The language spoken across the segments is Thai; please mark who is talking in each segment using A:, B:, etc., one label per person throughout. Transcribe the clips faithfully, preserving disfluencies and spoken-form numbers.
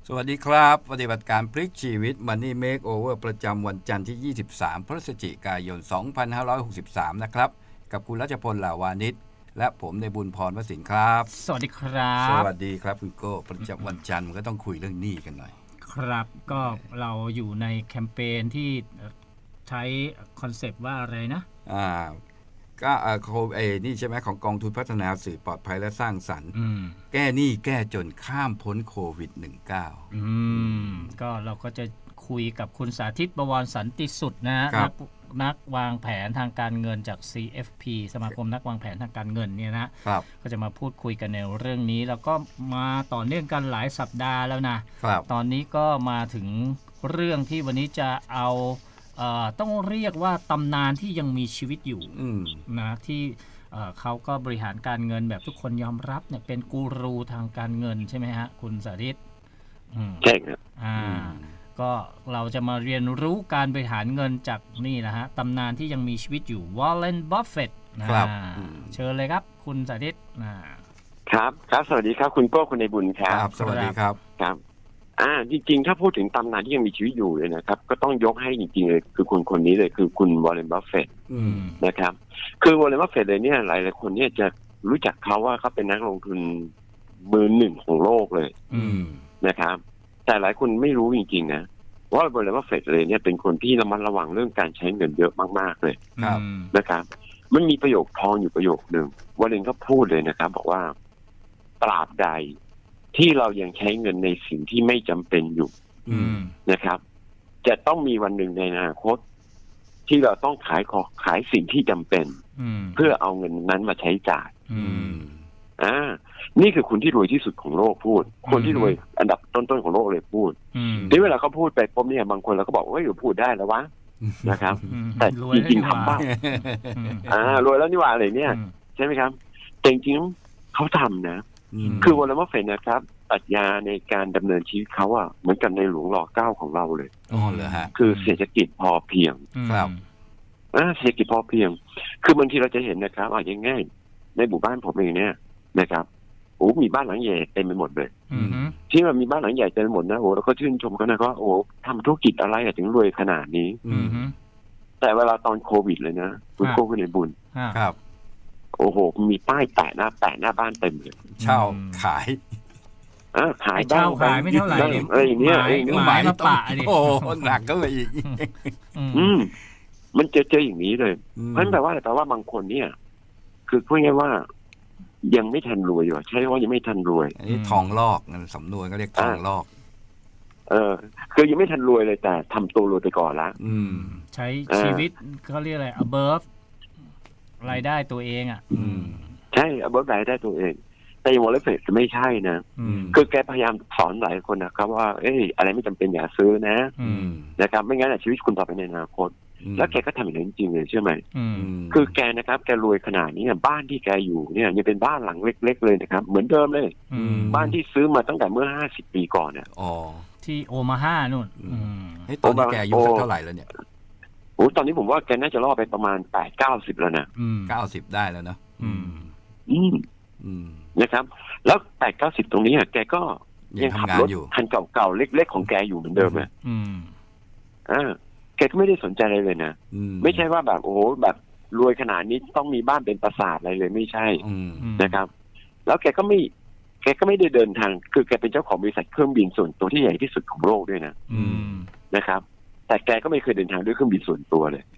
A: สวัสดีครับปฏิบัติการพลิกชีวิต Money Makeover ประจำวันจันทร์ที่ ยี่สิบสาม พฤศจิกายน สองพันห้าร้อยหกสิบสาม นะครับกับคุณรัชพล หล่าวานิชและผมในบุญพรวสินครับ
B: สวัสดีครับ
A: สวัสดีครับคุณโก้ประจำวันจันทร์มันก็ต้องคุยเรื่องหนี้กันหน่อย
B: ครับก็เราอยู่ในแคมเปญที่ใช้คอนเซปต์ว่าอะไรนะ
A: อ่าก็เออโคเอนี่ใช่ไหมของกองทุนพัฒนาสื่อปลอดภัยและสร้างสรรค์แก้หนี้แก้จนข้ามพ้นโควิด สิบเก้า
B: อืมก็เราก็จะคุยกับคุณสาธิต บวรสันติสุดนะนักนักวางแผนทางการเงินจาก ซี เอฟ พี สมาคมนักวางแผนทางการเงินเนี่ยนะก็จะมาพูดคุยกันในเรื่องนี้แล้วก็มาต่อเนื่องกันหลายสัปดาห์แล้วนะตอนนี้ก็มาถึงเรื่องที่วันนี้จะเอาเอ่อต้องเรียกว่าตำนานที่ยังมีชีวิตอยู่นะที่เอ่อเขาก็บริหารการเงินแบบทุกคนยอมรับเนี่ยเป็นกูรูทางการเงินใช่ไหมฮะคุณสาธิต
C: ใช่ครับ
B: อ่าก็เราจะมาเรียนรู้การบริหารเงินจากนี่นะฮะตำนานที่ยังมีชีวิตอยู่วอลเลนบัฟเฟตต์นะครับเชิญเลยครับคุณสาธิต
C: ครับครับสวัสดีครับคุณโก้คุณในบุญครับ
A: สวัสดีครับ
C: ครับอ่าจริงๆถ้าพูดถึงตำนานที่ยังมีชีวิตอยู่เลยนะครับก็ต้องยกให้จริงๆเลยคือคนคนนี้เลยคือคุณวอลเลนบัฟเฟตต์นะครับคือวอลเลนบัฟเฟตต์เลยเนี่ยหลายๆคนเนี่ยจะรู้จักเขาว่าเขาเป็นนักลงทุนมือหนึ่งของโลกเลยนะครับแต่หลายคนไม่รู้จริงๆนะว่าวอลเลนบัฟเฟตต์เลยเนี่ยเป็นคนที่ระมัดระวังเรื่องการใช้เงินเยอะมากๆเลยนะครับมันมีประโยคทองอยู่ประโยคนึงวอลเลนก็พูดเลยนะครับบอกว่าตราบใดที่เรายังใช้เงินในสิ่งที่ไม่จำเป็นอยู่นะครับจะต้องมีวันหนึ่งในอนาคตที่เราต้องขายของขายสิ่งที่จำเป็นเพื่อเอาเงินนั้นมาใช้จ่ายอ่านี่คือคนที่รวยที่สุดของโลกพูดคนที่รวยอันดับต้นๆของโลกเลยพูดที่เวลาเขาพูดไปปุ๊บเนี่ยบางคนเราก็บอกว่าอยู่พูดได้แล้ววะนะครับแต่จริงๆทำบ้างอ่ารวยแล้วนี่ว่าอะไรเนี่ยใช่ไหมครับแต่จริงๆเขาทำนะคือวอลเลนบัฟเฟตต์นะครับปรัชญาในการดำเนินชีวิตเขาอะเหมือนกับในหลวงรอเก้าของเราเลย
A: อ๋อเหรอฮะ
C: คือเศรษฐกิจพอเพียง
A: ครับ
C: อ่าเศรษฐกิจพอเพียงคือบางทีเราจะเห็นนะครับอ่ะง่ายๆในหมู่บ้านผมเองเนี่ยนะครับโอ้มีบ้านหลังใหญ่เต็มไปหมดเลยที่มันมีบ้านหลังใหญ่เต็มไปหมดนะโอ้เราก็ชื่นชมกันนะก็โอ้ทำธุรกิจอะไรถึงรวยขนาดนี้แต่เวลาตอนโควิดเลยนะคุณโก้คุณในบุญ
A: ครับ
C: โอ้โหมีป้ายแปะหน้าแปะหน้าบ้านเต็มเลย
A: เช่าขาย
C: อ่าขาย
B: เช่าขายไม่เท่าไหร่
C: อะไรอย่างเงี้ยไอ้
B: หมายมาปะดิ
A: โอ้หนักก็เลยอีก
C: อืมมันเจอเจออย่างนี้เลยเพราะฉะนั้นแปลว่าอะไรแปลว่าบางคนเนี่ยคือพูดง่ายว่ายังไม่ทันรวยอยู่ใช่ว่ายังไม่ทันรวย
A: อันนี้ทองลอกสำนวนก็เรียกทองลอก
C: เออคือยังไม่ทันรวยเลยแต่ทำตัวรวยไปก่อนละ
B: ใช้ชีวิตเขาเรียกอะไร above รายได้ตัวเองอ่ะ
C: ใช่ above รายได้ตัวเองแต่วอลเลนบัฟเฟตต์ไม่ใช่นะคือแกพยายามสอนหลายคนนะครับว่าเอ้ยอะไรไม่จำเป็นอย่าซื้อนะนะครับไม่งั้นชีวิตคุณต่อไปในอนาคตแล้วแกก็ทำอย่างนั้นจริงเลยใช่ไหมคือแกนะครับแกรวยขนาดนี้บ้านที่แกอยู่เนี่ยยังเป็นบ้านหลังเล็กๆเลยนะครับเหมือนเดิมเลยบ้านที่ซื้อมาตั้งแต่เมื่อห้าสิบปีก่อนเนี่ย
A: อ๋อ
B: ที่โอมาฮานู่น
A: ให้ตอนนี้แกอายุเท่าไหร่แล้วเนี่ย
C: โอ้ตอนนี้ผมว่าแกน่าจะรอดไปประมาณแปดเก้าสิบแล้วนะ
A: เก้าสิบได้แล้วเนาะ
C: อืมอืมนะครับแล้วแปดเก้าสิบตรงนี้แกก็ยังขับรถคันเก่าๆเล็กๆของแกอยู่เหมือนเดิมอ่ะอ่าแกก็ไม่ได้สนใจอะไรเลยนะไม่ใช่ว่าแบบโอ้โหแบบรวยขนาดนี้ต้องมีบ้านเป็นปราสาทอะไรเลยไม่ใช่นะครับแล้วแกก็ไม่แกก็ไม่ได้เดินทางคือแกเป็นเจ้าของบริษัทเครื่องบินส่วนตัวที่ใหญ่ที่สุดของโลกด้วยนะนะครับแต่แกก็ไม่เคยเดินทางด้วยเครื่องบินส่วนตัวเลย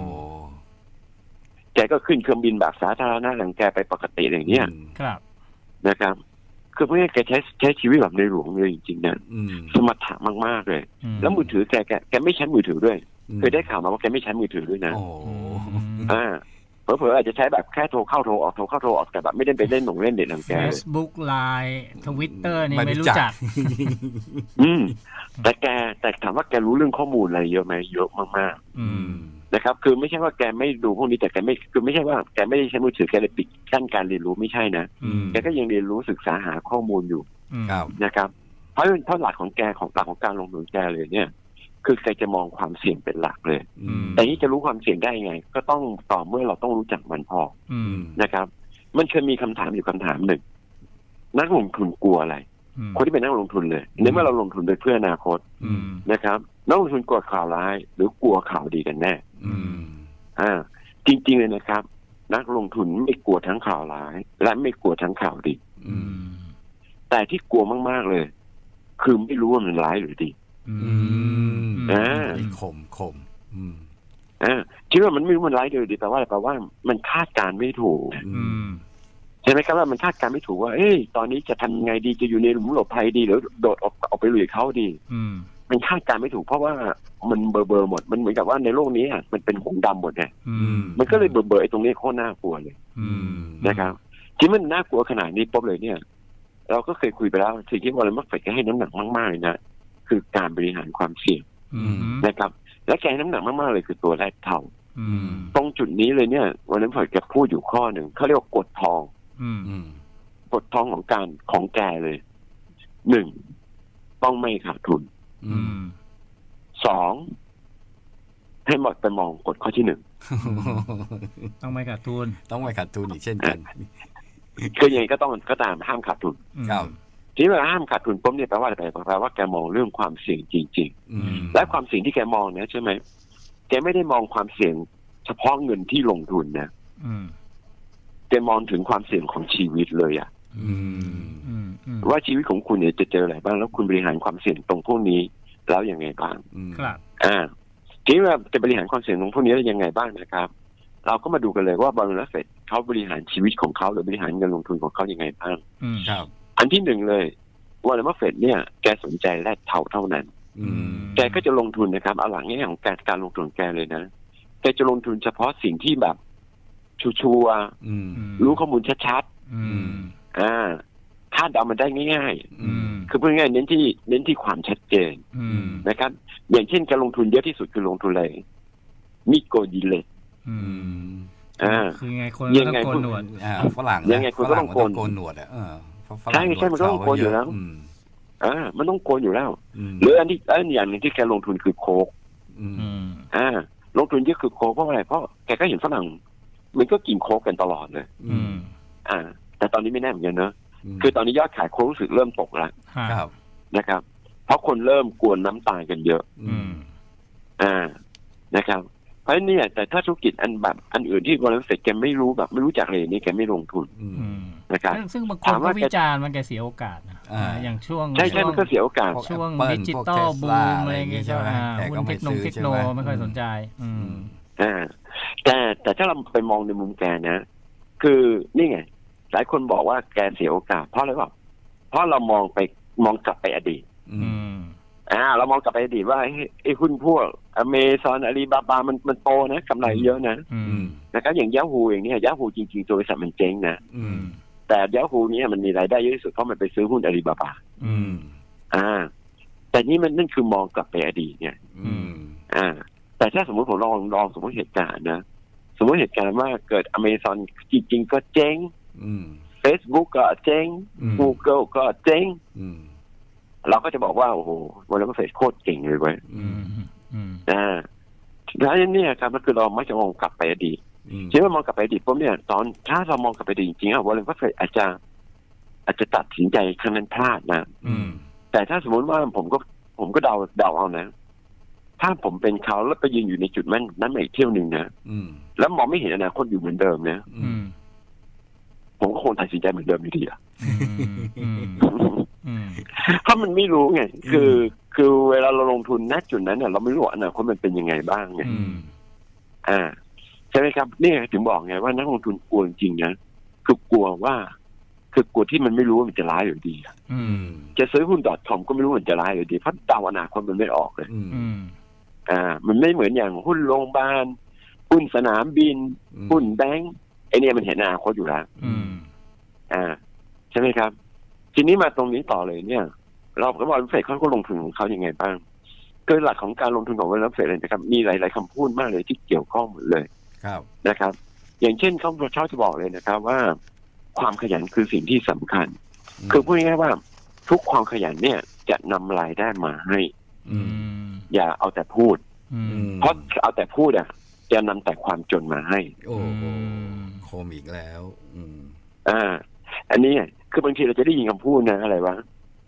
C: แกก็ขึ้นเครื่องบินแบบสาธารณะหลังแกไปปกติอย่างเนี้ยนะครับคือเพื่อแกใช้ใช้ชีวิตแบบในหลวงเลยจริงๆนะสมถะมากๆเลยแล้วมือถือแกแกแกไม่ใช้มือถือด้วยเคยได้ข่าวมาว่าแกไม่ใช้มือถือด้วยนะอ่าเผลอๆอาจจะใช้แบบแค่โทรเข้าโทรออกโทรเข้าโทรออกแต่แบบไม่ได้ไปเล่นหนงเล่นเด็ดหลังแก
B: Facebook ไลน์ Twitter นี่ไม่รู้จัก
C: อืมแต่แกแต่ถามว่าแกรู้เรื่องข้อมูลอะไรเยอะไหมเยอะมากๆนะครับคือไม่ใช่ว่าแกไม่ดูพวกนี้แต่แกไม่คือไม่ใช่ว่าแกไม่ได้ใช้มือถือแกเลยปิดกั้นการเรียนรู้ไม่ใช่นะแกก็ยังเรียนรู้ศึกษาหาข้อมูลอยู่นะครับเพราะเพราะหลักของแกของหลักของการลงทุนแกเลยเนี่ยคือแกจะมองความเสี่ยงเป็นหลักเลยแต่นี้จะรู้ความเสี่ยงได้ไงก็ต้องต่อเมื่อเราต้องรู้จักมันพอนะครับมันเคยมีคำถามอยู่คำถามหนึ่งนักลงทุนกลัวอะไรคนที่เป็นนักลงทุนเลยในเมื่อเราลงทุนไปเพื่ออนาคตนะครับนักลงทุนกลัวข่าวร้ายหรือกลัวข่าวดีกันแน่อ่าจริงๆเลยนะครับนักลงทุนไม่กลัวทั้งข่าวร้ายและไม่กลัวทั้งข่าวดีแต่ที่กลัวมากๆเลยคือไม่รู้ว่ามันร้ายหรือดีอ่า
A: คมคม
C: อ่าคิดว่ามันไม่รู้มันร้ายหรือดีแปลว่าอะไรแปลว่ามันคาดการไม่ถูกใช่ไหมครับว่ามันคาดการไม่ถูกว่าเอ้ยตอนนี้จะทำยังไงดีจะอยู่ในหลุมหลบภัยดีหรือโดดออกออกไปลุยเขาดีมันคาดการไม่ถูกเพราะว่ามันเบอร์เบอร์หมดมันเหมือนกับว่าในโลกนี้อ่ะมันเป็นหงดำหมดไงมันก็เลยเบอร์เบอร์ไอ้ตรงนี้โคตรน่ากลัวเลยนะครับที่มันน่ากลัวขนาดนี้ปุ๊บเลยเนี่ยเราก็เคยคุยไปแล้วสิ่งที่วอร์เรน บัฟเฟตต์ให้น้ำหนักมากๆเลยนะคือการบริหารความเสี่ยงนะครับและแกให้น้ำหนักมากๆเลยคือตัวแรกเท่าตรงจุดนี้เลยเนี่ยวอร์เรน บัฟเฟตต์แกพูดอยู่ข้อหนึ่งเขาเรียกว่ากฎทองกฎทองของการของแกเลยหนึ่งต้องไม่ขาดทุนสองให้หมดไปมองกฎข้อที่หนึ่ง
B: ต้องไม่ขาดทุน
A: ต้องไม่ขาดทุนอีกเช่นกัน
C: คือยังไงก็ต้องก็ตามห้ามขาดทุน
A: ครับ
C: ที่เวลาห้ามขาดทุนปุ๊บเนี่ยแปลว่าอะไรแปลว่าแกมองเรื่องความเสี่ยงจริงๆและความเสี่ยงที่แกมองเนี่ยใช่ไหมแกไม่ได้มองความเสี่ยงเฉพาะเงินที่ลงทุนนะแกมองถึงความเสี่ยงของชีวิตเลยอ่ะว่าชีวิตของคุณเนี่ยจะเจออะไรบ้างแล้วคุณบริหารความเสี่ยงตรงพวกนี้แล้วยังไงบ้าง
B: ครับ
C: อ่าทีนี้ว่าจะบริหารความเสี่ยงตรงพวกนี้ได้ยังไงบ้างนะครับเราก็มาดูกันเลยว่าบริษัทเฟดเขาบริหารชีวิตของเขาหรือบริหารเงินลงทุนของเขายังไงบ้าง
A: ครับ
C: อันที่หนึ่งเลยวอร์เรน บัฟเฟตต์เนี่ยแกสนใจแลกเท่าเท่านั้นแกก็จะลงทุนนะครับเอาหลังแง่ของการการลงทุนแกเลยนะแกจะลงทุนเฉพาะสิ่งที่แบบชัวร์ๆรู้ข้อมูลชัดๆอ่าคาดเดามันได้ง่ายๆคือพูดง่ายๆเน้นที่เน้นที่ความชัดเจนนะครับอย่างเช่นการลงทุนเยอะที่สุดคือลงทุนอะไรมิโกดิเลต
B: อ่าคือไงคนต้องโกนหนวด
A: อ่าฝรั่ง
C: ยังไงคุณก็ต้องโกน
A: หนวดอ่ะเออ
C: ใช่ใช่มันก็ต้องโกนอยู่แล้วอ่ามันต้องโกนอยู่แล้วหรืออันที่อันอย่างนึงที่แกลงทุนคือโคกอ่าลงทุนเยอะคือโคกเพราะอะไรเพราะแกก็เห็นฝรั่งมันก็กินโคกกันตลอดเลยอ่าแต่ตอนนี้ไม่แน่เหมือนกันเนอะคือตอนนี้ยอดขายโคกรู้สึกเริ่มตกแล้วนะครับเพราะคนเริ่มกวนน้ำตาลกันเยอะอ่านะครับเพราะเนี่ยแต่ถ้าธุรกิจอันแบบอันอื่นที่วอร์เรน บัฟเฟตต์แกไม่รู้แบบไม่รู้จักเลยนี่แกไม่ลงทุนนะครับ
B: ซึ่งบางคนก็วิจารณ์มันแกเสียโอกาสนะอย่างช่วง
C: ใช่ใช่มันก็เสียโอกาส
B: ช่วงดิจิตอลบูมอะไรอย่างเงี้ยใช่ไหมหุ้นเทคโนเทคโนไม่ค่อยสนใจ
C: อ่าแต่แต่ถ้าเราไปมองในมุมแกนะคือนี่ไงหลายคนบอกว่าแกเสียโอกาสเพราะอะไรวะเพราะเรามองไปมองกลับไปอดีตอ่าเรามองกลับไปอดีตว่าไอ้หุ้นพวกอเมซอนอาลีบาบามันมันโตนะกำไรเยอะนะนะครับอย่างยาฮูอย่างนี้ยาฮูจริงๆตัวบริษัทมันเจ๊งนะแต่ยาฮูนี้มันมีรายได้เยอะที่สุดเพราะมันไปซื้อหุ้นอาลีบาบาอ่าแต่นี่มันนั่นคือมองกลับไปอดีตเนี่ยอ่าแต่ถ้าสมมติผมลองลองสมมติเหตุการณ์นะสมมติเหตุการณ์ว่าเกิดอเมซอนจริงๆก็เจ๊งเฟซบุ๊กก็เจ๊ง Google ก็เจ๊งเราก็จะบอกว่าโอ้โหวอร์เรน บัฟเฟตต์โคตรเก่งเลยเว้ยอ่าแล้วเนี่ยครับก็คือเราไม่จะมองกลับไปอดีตใช่ไหมมองกลับไปอดีตปุ๊บเนี่ยตอนถ้าเรามองกลับไปอดีตจริงๆอ่ะวอร์เรน บัฟเฟตต์อาจจะอาจจะตัดสินใจครั้งนั้นพลาดนะแต่ถ้าสมมติว่าผมก็ผมก็เดาเดาเอานะถ้าผมเป็นเขาแล้วไปยืนอยู่ในจุดนั้นนั้นอีกเที่ยวหนึ่งนะแล้วมองไม่เห็นอนาคตอยู่เหมือนเดิมนะผมก็คงตัดสินใจเหมือนเดิมอยู่ดีอ่ะเพราะมันไม่รู้ไงคือคือเวลาเราลงทุนณจุดนั้นเนี่ยเราไม่รู้ว่าอนาคตมันเป็นยังไงบ้างไงอ่าใช่ไหมครับนี่ถึงบอกไงว่านักลงทุนกลัวจริงๆนะคือกลัวว่าคือกลัวที่มันไม่รู้ว่ามันจะร้ายหรือดีจะซื้อหุ้น .com ก็ไม่รู้มันจะร้ายหรือดีเพราะเดาอนาคตมันไม่ออกเลยอ่ามันไม่เหมือนอย่างหุ้นโรงพยาบาลหุ้นสนามบินหุ้นแบงก์ไอเนี่ยมันเห็นอนาคตอยู่แล้วอ่าใช่ไหมครับทีนี้มาตรงนี้ต่อเลยเนี่ยเราก็บอกว่าเฟดเขาก็ลงทุนของเขายังไงบ้างโดยหลักของการลงทุนของวอร์เรน บัฟเฟตต์เลยนะครับมีหลายๆคำพูดมากเลยที่เกี่ยวข้องหมดเลยนะครับอย่างเช่นเขาชอบจะบอกเลยนะครับว่าความขยันคือสิ่งที่สำคัญคือพูดง่ายๆว่าทุกความขยันเนี่ยจะนำรายได้มาให้อย่าเอาแต่พูดเพราะเอาแต่พูดอ่ะจะนำแต่ความจนมาให้
A: โอ้โคมอีกแล้ว
C: อ่าอันนี้คือบางทีเราจะได้ยินคำพูดนะอะไรวะ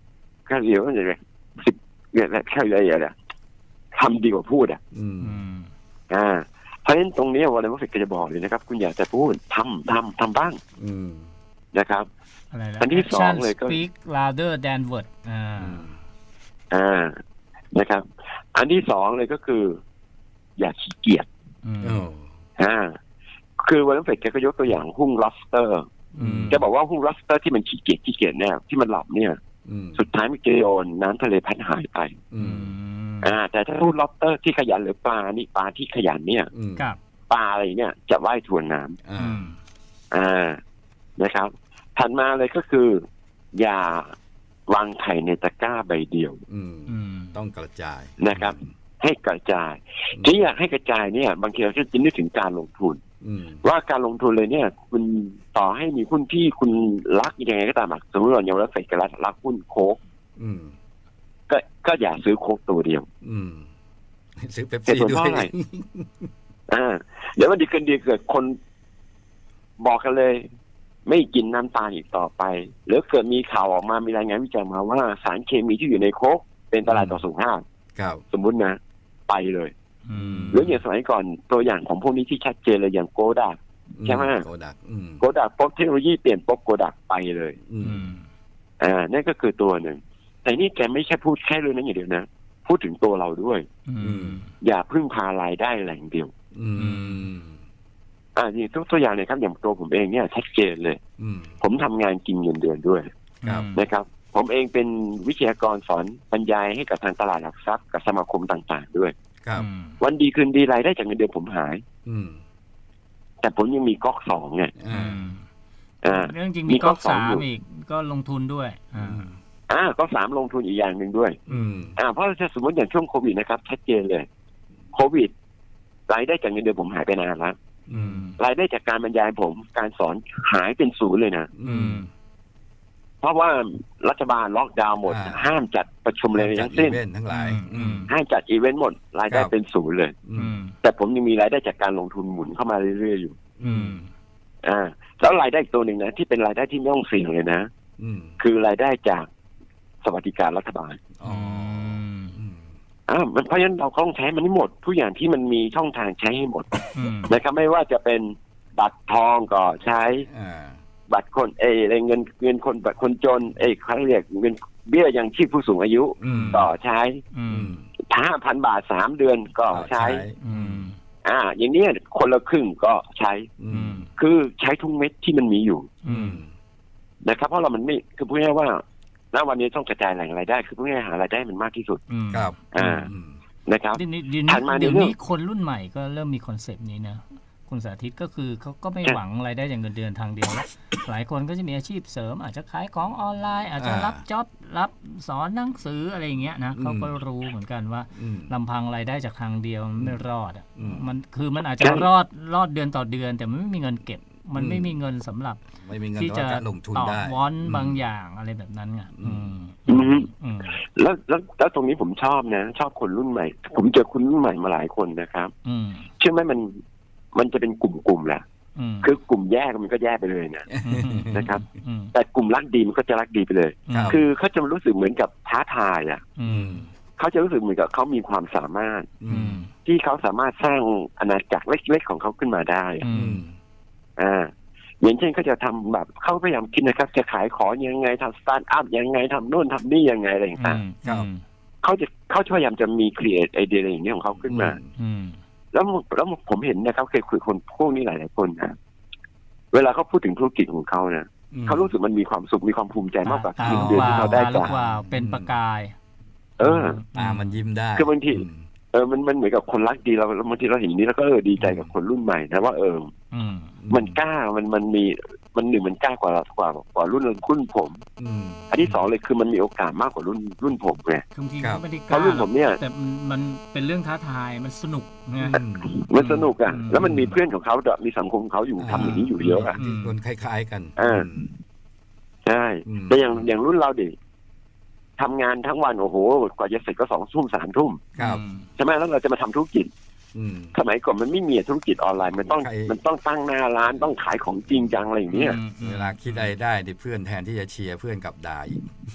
C: ก็เรียกว่าอะไรสิบเนี่ยแค่อะไรอ่ะทำดีกว่าพูดอ่ะ
A: อืม
B: อืม
C: อ่าเพราะฉะนั้นตรงนี้วอลเลย์บอลเฟกก็จะบอกเลยนะครับคุณอยากจะพูดทำทำทำบ้าง
A: อืม
C: นะครับ
B: อะไรนะ
C: อันที่สองเลยก็
B: speak louder than word อ่า
C: อ่านะครับ อันที่สองเลยก็คือ อย่าขี้เกียจ
B: อืม
A: โอ้
C: อ่าคือวอลเลย์บอลเฟกก็ยกตัวอย่างหุ้งลอสเตอร์
B: อืม
C: จะบอกว่าหุ้งลอสเตอร์ที่มันขี้เกียจขี้เกียจเนี่ยที่มันหลับเนี่ย
A: อืม
C: สุดท้ายมันจะโดนน้ำทะเลพัดหายไป
A: อื
B: อื
A: ม
B: ม
C: อ่า แต่ถ้าหุ้งลอสเตอร์ที่ขยันหรือปลานี่ปลาที่ขยันเนี่ย
A: อืม
B: ครับ
C: ปลาอะไรเนี่ยจะว่ายทวนน้ำ
A: อ่า
B: อืม
C: อ่านะครับ ถัดมาเลยก็คือ อย่าวางไข่ในตะกร้าใบเดียว
A: อืม
B: อืม
A: ต้องกระจาย
C: นะครับ ให้กระจายที่อยากให้กระจายเนี่ย บางทีเราจะนึกถึงการลงทุน
A: อืม
C: ว่าการลงทุนเลยเนี่ย คุณต่อให้มีหุ้นที่คุณรักยังไงก็ตามอะสมมติเราอย่างเราเฟดกันรักหุ้นโค้ก
A: อืม
C: ก็ก็อย่าซื้อโค้กตัวเดียว
A: อืมซื้อเป๊ป
C: เหตุ
A: ซี่
C: ผล
A: ด้
C: เพ
A: ว
C: ราะ
A: ย
C: อะไร อ่าเดี๋ยววันดีคืนดีเกิดคนบอกกันเลย ไม่กินน้ำตาลอีกต่อไปหรือเกิดมีข่าวออกมามีรายงานวิจัยมาว่าสารเคมีที่อยู่ในโค้กเป็นอันตรายต่อสุขภาพ
A: ครับ
C: สมมุตินะ ไปเลย
B: อืม
C: หรืออย่างสมัยก่อนตัวอย่างของพวกนี้ที่ชัดเจนเลยอย่างโกดัก ใช่ไหม
A: โกดัก อืม
C: โกดักปุ๊บเทคโนโลยีเปลี่ยนปุ๊บโกดักไปเลย
A: อื
B: อื
A: ม
B: ม
C: อ่านั่นก็คือตัวหนึ่งแต่นี่แกไม่ใช่พูดแค่เรื่องนั้นอย่างเดียวนะพูดถึงตัวเราด้วย
B: อืม
C: อย่าพึ่งพารายได้แหล่งเดียว
A: อืม
C: อ่านี่ตัวตัวอย่างเลยครับอย่างตัวผมเองเนี่ยชัดเจนเลย
A: อืม
C: ผมทำงานกินเงินเดือนด้วย
A: ครับ
C: นะครับ ผมเองเป็นวิทยากรสอนบรรยายให้กับทางตลาดหลักทรัพย์กับสมาคมต่างๆด้วย
A: ครับ
B: อืม
C: วันดีคืนดีรายได้จากเงินเดือนผมหาย
A: อืม
C: แต่ผมยังมีก๊อกสองไง
A: อ่า
C: อ่า
B: เรื่องจริง
C: มี
B: มีก๊อก
C: ก๊อกสอง
B: สา
C: อยู่
B: มอีกก็ลงทุนด้วย
A: อื
B: อ่า
A: ม
C: อ่าก๊อกสามลงทุนอีกอย่างหนึ่งด้วย
A: อืม
C: อ่าเพราะถ้าสมมติอย่างช่วงโควิดนะครับชัดเจนเลยโควิดรายได้จากเงินเดือนผมหายไปนานแล้ว
A: อืม
C: รายได้จากการบรรยายผมการสอนหายเป็นศูนย์เลยนะ
A: อืม
C: เพราะว่ารัฐบาลล็อกดาวน์หมด
A: อ่า
C: ห้ามจัดประชุมอะไร
A: จัด
C: ทั้ง
A: อี
C: สิ้น
A: เวนต์ทั้งหลาย อืม
C: ห้ามจัดอีเวนต์หมดรายได้
A: ครับ
C: เป็นศูนย์เลย
A: อื
B: อื
A: ม
B: ม
C: แต่ผมยังมีรายได้จากการลงทุนหมุนเข้ามาเรื่อยๆอยู่
B: อืม
C: อ่าแล้วรายได้อีกตัวหนึ่งนะที่เป็นรายได้ที่ไม่ต้องเสี่ยงเลยนะ
A: อืม
C: คือรายได้จากสวัสดิการรัฐบาล
A: อ๋ออืม
C: อ่ามันเพราะฉะนั้นเราต้องใช้มันให้หมดทุกอย่างที่มันมีช่องทางใช้ให้หมด
B: อืม
C: นะครับไม่ว่าจะเป็นบัตรทองก็ใช้
A: อ่า
C: บัตรคนเอยอะไรเงินเงินคนบัตรคนจนเอยเขาเรียกเงินเบี้ยยังชีพผู้สูงอายุ
A: อืม
C: ก็ใช้
B: อื
A: อื
B: ม
A: ม
C: ห้าพันบาทสามเดือนก็ใช้
B: อืม
C: อ่า อย่างเนี้ยคนละครึ่งก็ใช้
A: อื
B: อื
A: ม
B: ม
C: คือใช้ทุกเม็ดที่มันมีอยู่
B: อื
A: อื
B: ม
A: ม
C: นะครับ เพราะเรามันไม่คือพูดง่ายๆว่าณวันนี้ต้องกระจายแหล่งรายได้ คือพูดง่ายๆหารายได้มันมากที่สุด
B: อืม
A: ครับ
C: อ่า
A: อืม
C: นะครับ
B: เดี๋ยวนี้เดี๋ยว
C: ถั
B: นี้
C: ดมาใน
B: เดี๋ยว
C: เรื่อง
B: นี้คนรุ่นใหม่ก็เริ่มมีคอนเซปต์นี้นะคุณสาธิตก็คือเขาก็ไม่
C: ใช่
B: หวังรายได้จากเงินเดือนทางเดียวแล้ว หลายคนก็จะมีอาชีพเสริม อาจจะขายของออนไลน์ อาจจะ
A: อ่ารั
B: รับจ็อบรับสอนหนังสืออะไรอย่างเงี้ยนะ
A: อืม
B: เขาก็รู้เหมือนกันว่า
A: อืม
B: ลำพังรายได้จากทางเดียวมันไม่รอดอ่ะ
A: อืม
B: มันคือมันอาจจะ
C: ใช่
B: รอดรอดเดือนต่อเดือน แต่มันไม่มีเงินเก็บ มัน
A: อืม
B: ไม่มีเงินสำหรับ
A: ไม่มีเงิน
B: ที่จะ
A: ต่อการลงทุน
B: ต่อ
A: ได้
B: วอน
A: อืม
B: บางอย่างอะไรแบบนั้นไง
A: อื
B: อื
A: ม
B: ม
C: อืม
B: อืม
C: แล้วแล้วแล้วตรงนี้ผมชอบนะ ชอบคนรุ่นใหม่ ผมเจอคนรุ่นใหม่มาหลายคนนะครับ
B: อืม
C: เชื่อไหมมันมันจะเป็นกลุ่มๆแหละ
B: อืม
C: คือกลุ่มแยกมันก็แยกไปเลยนะ
B: ม
C: นะครับ
B: อืม
C: แต่กลุ่มรักดีมันก็จะรักดีไปเลย
A: ครับ
C: คือเขาจะรู้สึกเหมือนกับท้าทายอ่ะ
B: อื
A: อื
B: ม
A: ม
C: เขาจะรู้สึกเหมือนกับเขามีความสามารถ
A: อื
B: อื
A: ม
B: ม
C: ที่เขาสามารถสร้างอาณาจักรเล็กๆของเขาขึ้นมาได้อะ
B: อื
A: อื
B: ม
A: ม
C: อ่า อย่างเช่นเขาจะทำแบบเขาพยายามคิดนะครับ จะขายของยังไงทำสตาร์ทอัพยังไงทำโน่นทำนี่ยังไงอะไรต่าง
A: ครับ
C: ๆเขาจะเขาพยายามจะมีครีเอทไอเดียอะไรอย่างเงี้ยของเขาขึ้นมา
B: อืม
C: แล้วแล้วผมเห็นนะครับเคยคุยกับคนพวกนี้หลายๆคนนะเวลาเขาพูดถึงธุรกิจของเขานะ
A: อืม
C: เขารู้สึกมันมีความสุขมีความภูมิใจมากกว่า
B: ตา
C: เงิน
B: ลูก
C: เดือน
B: วา
C: ที่
B: ว
C: เขาได้
B: ตาลู
C: จาก
B: กวาวเป็นประกาย
C: เออ
A: ตามันยิ้มได้
C: คือบางที
A: ม
C: เออมันมันเหมือนกับคนรักดีเราบางทีเราเห็นอย่างนี้แล้วก็เออดีใจกับคนรุ่นใหม่นะว่าเออ
B: อืม
C: มันกล้ามันมันมีมันหนึ่งมันกล้ากว่ากว่ากว่ารุ่นรุ่นผม
A: อืม
C: อันที่สองเลยคือมันมีโอกาสมากกว่ารุ่นรุ่นผมไง
B: คือบางที
A: ครับ
B: ก็ไม่ได้ก
C: เพราะ
B: ล้า
C: รุ่นผมเนี่ย
B: แต่มันมันเป็นเรื่องท้าทายมันสนุกนะ
A: อืม
C: มันสนุกอ่ะ
B: อืม
C: แล้วมันมีเพื่อนของเขาด้วยมีสังคมของเขาอยู่ทำอย่างนี้อยู่เยอะอ่ะ
A: ที่คนคล้ายๆกัน
C: อ่า ใช่
A: อืม
C: แต่อย่างอย่างรุ่นเราดิทำงานทั้งวันโอ้โหกว่าจะเสร็จก็สองทุ่มสามทุ่ม
A: ครับ
B: อืม
C: ใช่ไหมแล้วเราจะมาทำธุรกิจ
A: อืม
C: สมัยก่อนมันไม่มีธุรกิจออนไลน์มันต้อง
A: ใคร
C: มันต้องตั้งหน้าร้านต้องขายของจริงจังอะไรอย่างเงี้ย
B: อืม
A: เวลาคิดอะไรได้ดิเพื่อนแทนที่จะเชียร์เพื่อนกลับด่าอีก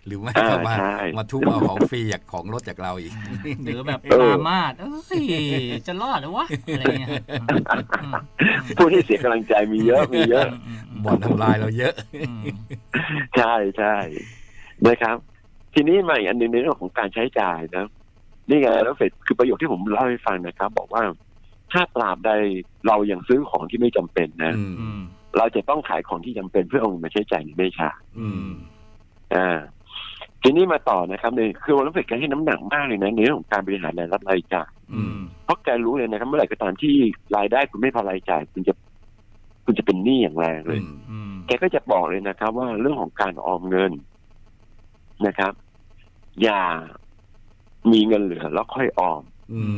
A: หรือไม่ก็มามาทุบเอาของฟรีจากของรถจากเราอีก
B: หรือแบบปรามาสเอ้ยจะรอดหรือวะอะไรเงี้ย
C: ผู้ที่เสียกำลังใจมีเยอะมีเยอะ
A: บ่อนทำลายเราเยอะ
C: ใช่ใช่นะครับทีนี้มาอีกอันหนึ่งในเรื่องของการใช้จ่ายนะนี่ไงแล้วเสร็จคือประโยคที่ผมเล่าให้ฟังนะครับบอกว่าถ้าตราบใดเรายังซื้อของที่ไม่จำเป็นนะเราจะต้องขายของที่จำเป็นเพื่อเอาเงินมาใช้จ่ายในไม่ช้าอ่าทีนี้มาต่อนะครับเนี่ยคือวันนี้แกให้น้ำหนักมากเลยนะในเรื่องของการบริหารรายรับรายจ่ายเพราะแกรู้เลยนะครับเมื่อไหร่ก็ตามที่รายได้คุณไม่พอรายจ่ายคุณจะคุณจะเป็นหนี้อย่างแรงเลยแกก็จะบอกเลยนะครับว่าเรื่องของการออมเงินนะครับ อย่ามีเงินเหลือแล้วค่อยออม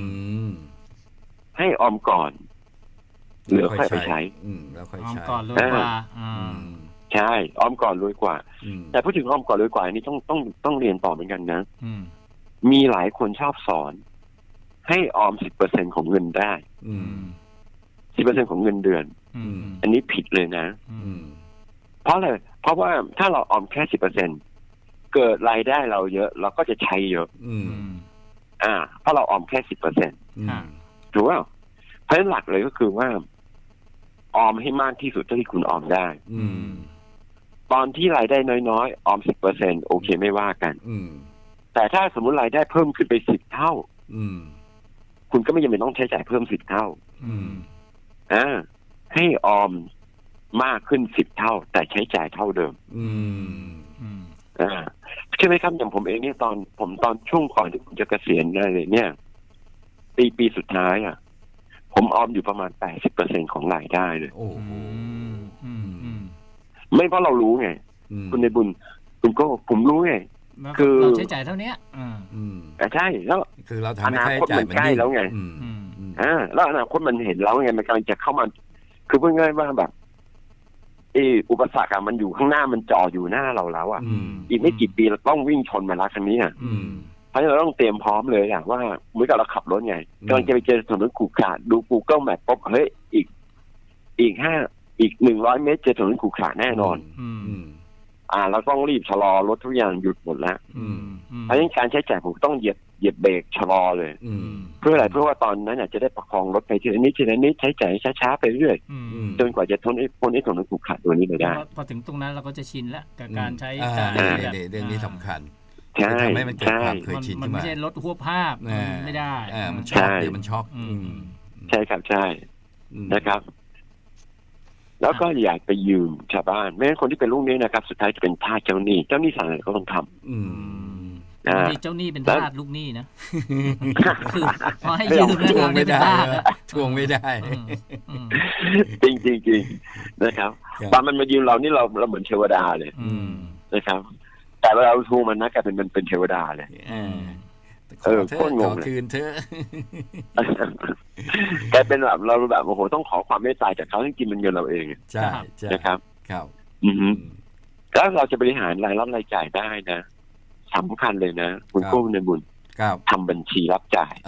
C: ให้ออมก่อนเหลือค่อยไปใช้
A: แล้วค่อย
B: ใช้ออม
A: ก่
B: อนรวยกว่า
C: ใช่ออมก่อนรวยกว่าแต่พูดถึงออมก่อนรวยกว่านี่ต้องต้องต้องเรียนต่อเหมือนกันนะมีหลายคนชอบสอนให้ออมสิบเปอร์เซ็นของเงินได้สิบเปอร์เซ็นของเงินเดือนอันนี้ผิดเลยนะเพราะอะไรเพราะว่าถ้าเราออมแค่สิบเปอร์เซ็นเกิดรายได้เราเยอะเราก็จะใช้เยอะอ่าเพราะเราออมแค่สิบเปอร์เซ็นถูกป่ะเพราะฉะนั้นหลักเลยก็คือว่าออมให้มากที่สุดเท่าที่คุณออมได้ตอนที่รายได้น้อยๆออมสิบเปอร์เซ็นโอเคไม่ว่ากันแต่ถ้าสมมติรายได้เพิ่มขึ้นไปสิบเท่าคุณก็ไม่จำเป็นต้องใช้จ่ายเพิ่มสิบเท่าอ่าให้ออมมากขึ้นสิบเท่าแต่ใช้จ่ายเท่าเดิมอ่าใช่ไหมครับอย่างผมเองเนี่ยตอนผมตอนช่วงก่อนที่ผมจะเกษียณอะไรเนี่ยปีปีสุดท้ายอ่ะผมออมอยู่ประมาณแปดสิบเปอร์เซ็นของรายได้เลยโอ้โหไม่เพราะเรารู้ไงคุณในบุญคุณก็ผมรู้ไง
B: คือเราใช้จ่ายเท่านี้
C: อ่าใช่แล้ว
A: คือเราทำให้ใช้จ่ายมัน
C: ใกล้แล้วไงอ่าแล้วอนาคตมันเห็นแล้วไงมันกำลังจะเข้ามาคือพูดง่ายว่าแบบเอออุปสรรคมันอยู่ข้างหน้ามันจ่ออยู่หน้าเราแล้วอ่ะอีกไม่กี่ปีเราต้องวิ่งชนมาแล้วคันนี้อ่ะเพราะฉะนั้นเราต้องเตรียมพร้อมเลยอ่ะว่าเหมือนกับเราขับรถไงกำลังจะไปเจอถนนขรุขระดู Google Map ปุ๊บเฮ้ยอีกอีกห้าอีกหนึ่งร้อยเมตรเจอถนนขรุขระแน่นอนอ่าเราต้องรีบชะลอรถทุกอย่างหยุดหมดแล้วเพราะฉะนั้นการใช้จ่ายผมต้องเหยียบเหยียบเบรกชะลอเลยเพื่ออะไรเพื่อว่าตอนนั้นจะได้ประคองรถไปทีละนิดทีละนิดใช้จ่ายช้าๆไปเรื่อยจนกว่าจะทนไอ้พ้นไอ้ถนนขรุขระตัวนี้ไปได้
B: พอถึงตรงนั้นเราก็จะชินแล้วกับการใช้จ่าย
A: แบบเรื่องนี้สำคัญ
C: ใช่
A: ทำให้มันเกิดความเคยชินขึ้นมา
B: มันไม่ใช่รถหัวภาพไม่ได้
A: มันช็อกเดี๋ยวมันช็อก
C: ใช่ครับใช่นะครับแล้วก็อยากไปยืมชาวบ้านไม่งั้นคนที่เป็นลูกหนี้นะครับสุดท้ายจะเป็นทาสเจ้าหนี้เจ้าหนี้สั่งอะไรก็ต้องท
B: ำอ่าเจ้าหนี้เป็นทาสลูกหนี้นะคือพอให้ยืมแล้ว
A: ทวงไม่ได้ทวงไม่ได้
C: จริงจริงจริงนะครับตอนมันมายืมเรานี่เราเราเหมือนเทวดาเลยนะครับแต่เวลาเราทวงมันนะกลายเป็นมันเป็นเทวดาเลย
A: เออโคตรงงเลยคืนเธ
C: อกลายเป็นแบบเราแบบโอ้โหต้องขอความเมตตาจากเขาจริงๆมันเงินเราเอง
A: ใช่
C: นะครับ
A: ครับ
C: อือฮึแล้วเราจะบริหารรายรับรายจ่ายได้นะสำคัญเลยนะคุณกู้ในบุญทำบัญชีรับจ่าย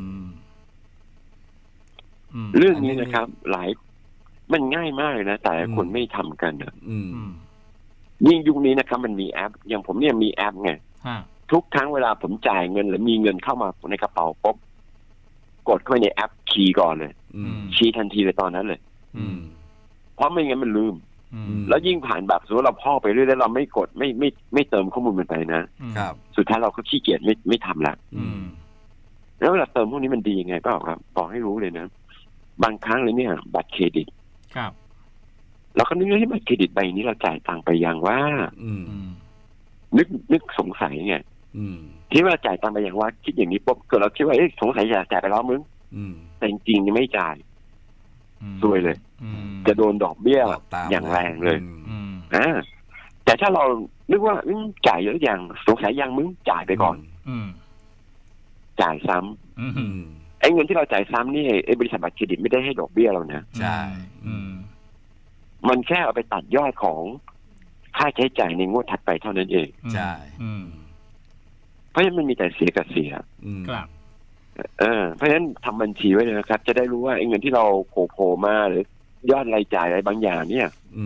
C: เรื่องนี้นะครับหลายมันง่ายมากเลยนะแต่คนไม่ทำกันนะยิ่งยุคนี้นะครับมันมีแอปอย่างผมเนี่ยมีแอปไงทุกครั้งเวลาผมจ่ายเงินหรือมีเงินเข้ามาในกระเป๋าปุ๊บกดเข้าไปในแอปคีย์ก่อนเลยคีย์ทันทีเลยตอนนั้นเลยเพราะไม่งั้นมันลืมแล้วยิ่งผ่านแบบสมมติเราพ่อไปเรื่อยๆเราไม่กดไม่ไม่ไม่เติมข้อมูลมันไปนะสุดท้ายเราก็ขี้เกียจไม่ไม่ทำละแล้วเวลาเติมพวกนี้มันดียังไงเปล่าครับบอกให้รู้เลยนะบางครั้งเลยเนี่ยบัตรเครดิตเราก็นึกว่าบัตรเครดิตใบนี้เราจ่ายตังค์ไปยังว่านึกนึกสงสัยไงที่ว่าจ่ายตังค์ไปอย่างว่าคิดอย่างนี้ปุ๊บเกิดเราคิดว่าเอ๊ะสงสัยจะจ่ายไปแล้วมึงแต่จริงๆไม่จ่ายซวยเลยจะโดนดอกเบี้ยอย่างแรงเลยอ่าแต่ถ้าเรานึกว่าจ่ายเยอะอย่างสงสัยยังมึงจ่ายไปก่อนจ่ายซ้ำไอ้เงินที่เราจ่ายซ้ำนี่ไอ้บริษัทบัตรเครดิตไม่ได้ให้ดอกเบี้ยเรานะ
A: ใช่
C: มันแค่เอาไปตัดยอดของค่าใช้จ่ายในงวดถัดไปเท่านั้นเอง
A: ใช่
C: เพราะฉะนั้นมันมีแต่เสียกับเสีย
B: ครับ
C: เออเพราะฉะนั้นทำบัญชีไว้เลยนะครับจะได้รู้ว่าไอ้เงินที่เราโผล่โผล่มาหรือยอดรายจ่ายอะไรบางอย่างเนี่ย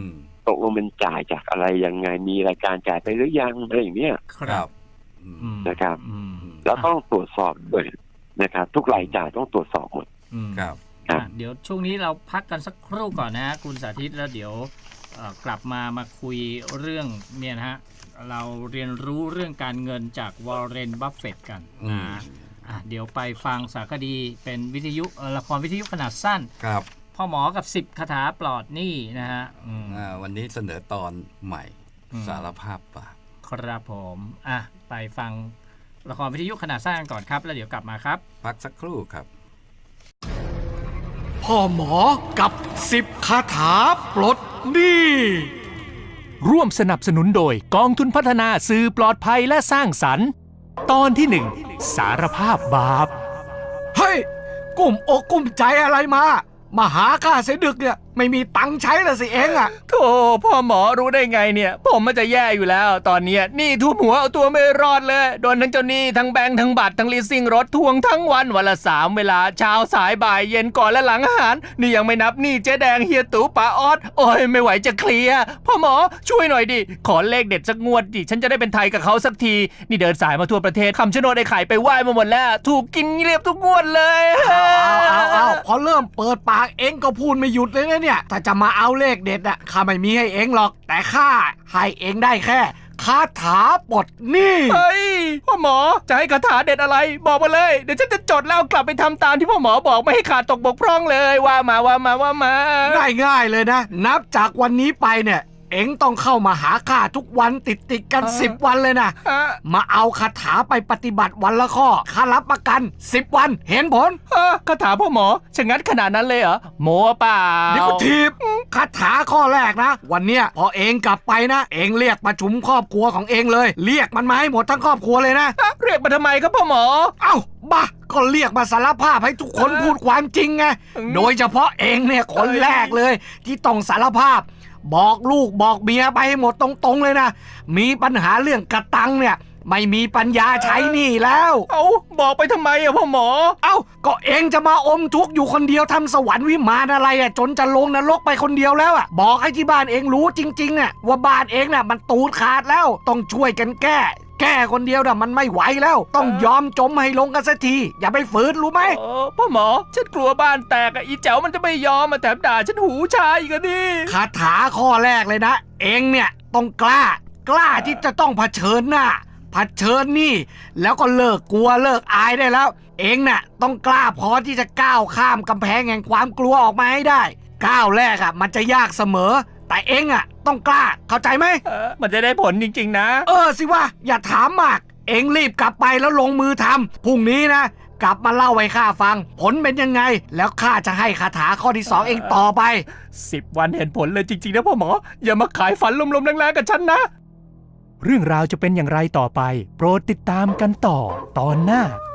C: ตกลงมันจ่ายจากอะไรยังไงมีรายการจ่ายไปหรือยังอะไรอย่างเนี้ย
B: ครับอืม
C: นะครับ
B: อืม
C: แล้วต้องตรวจสอบด้วยนะครับ ทุกรายจ่ายต้องตรวจสอบหมด
B: อืม
A: ครับ
C: ครับ
B: อ่ะเดี๋ยวช่วงนี้เราพักกันสักครู่ก่อนนะฮะคุณสาธิตแล้วเดี๋ยวเอ่อกลับมามาคุยเรื่องเนี่ยนะฮะเราเรียนรู้เรื่องการเงินจากวอร์เรน บัฟเฟตต์กัน
A: อืม
B: นะอ่ะเดี๋ยวไปฟังสารคดีเป็นวิทยุเอ่อละครวิทยุขนาดสั้น
A: ครับ
B: พ่อหมอกับสิบคาถาปลอดหนี้นะฮะอืม
A: อ่าวันนี้เสนอตอนใหม่
B: อืม
A: สารภาพบาป
B: ครับผมอ่ะไปฟังละครวิทยุขนาดสั้นกันก่อนครับ แล้วเดี๋ยวกลับมาครับ
A: พักสักครู่ครับ
D: พ่อหมอกับสิบคาถาปลดหนี้ร่วมสนับสนุนโดยกองทุนพัฒนาสื่อปลอดภัยและสร้างสรรค์ ตอนที่หนึ่งสารภาพบาปเฮ้ยกุ้มอกกุ้มใจอะไรมามาหาข้าเสียดึกเนี่ยไม่มีตังค์ใช้ละสิเองอะโธ่พ่อหมอรู้ได้ไงเนี่ยผมมันจะแย่อยู่แล้ว ตอนเนี้ยหนี้ทุ่มหัวเอาตัวไม่รอดเลยโดนทั้งเจ้าหนี้ทั้งแบงค์ทั้งบัตรทั้งลีสซิ่งรถทวงทั้งวันวันละสามเวลาเช้าสายบ่ายเย็นก่อนและหลังอาหารนี่ยังไม่นับหนี้เจ๊แดงเฮียตู่ป้าออดโอ้ยไม่ไหวจะเคลียร์พ่อหมอช่วยหน่อยดิขอเลขเด็ดสักงวดดิฉันจะได้เป็นไทยกับเขาสักทีนี่เดินสายมาทั่วประเทศคำชะโนดไอ้ไข่ไปไหว้มาหมดแล้วถูกกินเรียบทุกงวดเลยเอาเอาเอาพอเริ่มเปิดปากเองก็พูดไม่หยุดเลยนะเนี่ยถ้าจะมาเอาเลขเด็ดอะข้าไม่มีให้เองหรอกแต่ข้าให้เองได้แค่คาถาปลดหนี้เฮ้ยพ่อหมอจะให้คาถาเด็ดอะไรบอกมาเลยเดี๋ยวฉันจะจดแล้วกลับไปทำตามที่พ่อหมอบอกไม่ให้ขาดตกบกพร่องเลยว่ามาว่ามาว่ามาง่ายๆเลยนะนับจากวันนี้ไปเนี่ยเอ็งต้องเข้ามาหาข้าทุกวันติดติดๆกันสิบวันเลยนะมาเอาคาถาไปปฏิบัติวันละข้อข้ารับประกันสิบวันเห็นผลคาถาพ่อหมอชะงัดขนาดนั้นเลยเหรอโมเปล่าเดี๋ยวทีบคาถาข้อแรกนะวันเนี้ยพอเองกลับไปนะเองเรียกประชุมครอบครัวของเองเลยเรียกมันมาให้หมดทั้งครอบครัวเลยนะเรียกมาทำไมครับพ่อหมอเอ้าบ้าก็เรียกมาสารภาพให้ทุกคนพูดความจริงไงโดยเฉพาะเองเนี่ยคนแรกเลยที่ต้องสารภาพบอกลูกบอกเมียไปให้หมดตรงๆเลยนะมีปัญหาเรื่องกระตังเนี่ยไม่มีปัญญาใช้หนี่แล้วเอาบอกไปทำไมอะพ่อหมอเอ้าก็เองจะมาอมทุกข์อยู่คนเดียวทำสวรรค์วิมานอะไรอะจนจะลงนรกไปคนเดียวแล้วอะบอกให้ที่บ้านเองรู้จริงๆอะว่าบ้านเองน่ะมันตูดขาดแล้วต้องช่วยกันแก้แก้คนเดียวน่ะมันไม่ไหวแล้วต้องยอมจมให้ลงกันสักทีอย่าไปฝืนรู้ไหมพ่อหมอฉันกลัวบ้านแตกอะอีแจ๋วมันจะไม่ยอมมาแถมด่าฉันหูชาอีกอะดิคาถาข้อแรกเลยนะเองเนี่ยต้องกล้ากล้าที่จะต้องเผชิญหน้าเผชิญนี่แล้วก็เลิกกลัวเลิกอายได้แล้วเองน่ะต้องกล้าพอที่จะก้าวข้ามกำแพงแห่งความกลัวออกมาให้ได้ก้าวแรกอะมันจะยากเสมอแต่เองอะต้องกล้าเข้าใจไหมเออมันจะได้ผลจริงๆนะเออสิว่าอย่าถามมากเองรีบกลับไปแล้วลงมือทำพรุ่งนี้นะกลับมาเล่าให้ข้าฟังผลเป็นยังไงแล้วข้าจะให้คาถาข้อที่สองเองต่อไปสิบวันเห็นผลเลยจริงๆนะพ่อหมออย่ามาขายฝันลมๆแรงๆกับฉันนะเรื่องราวจะเป็นอย่างไรต่อไปโปรดติดตามกันต่อตอนหน้า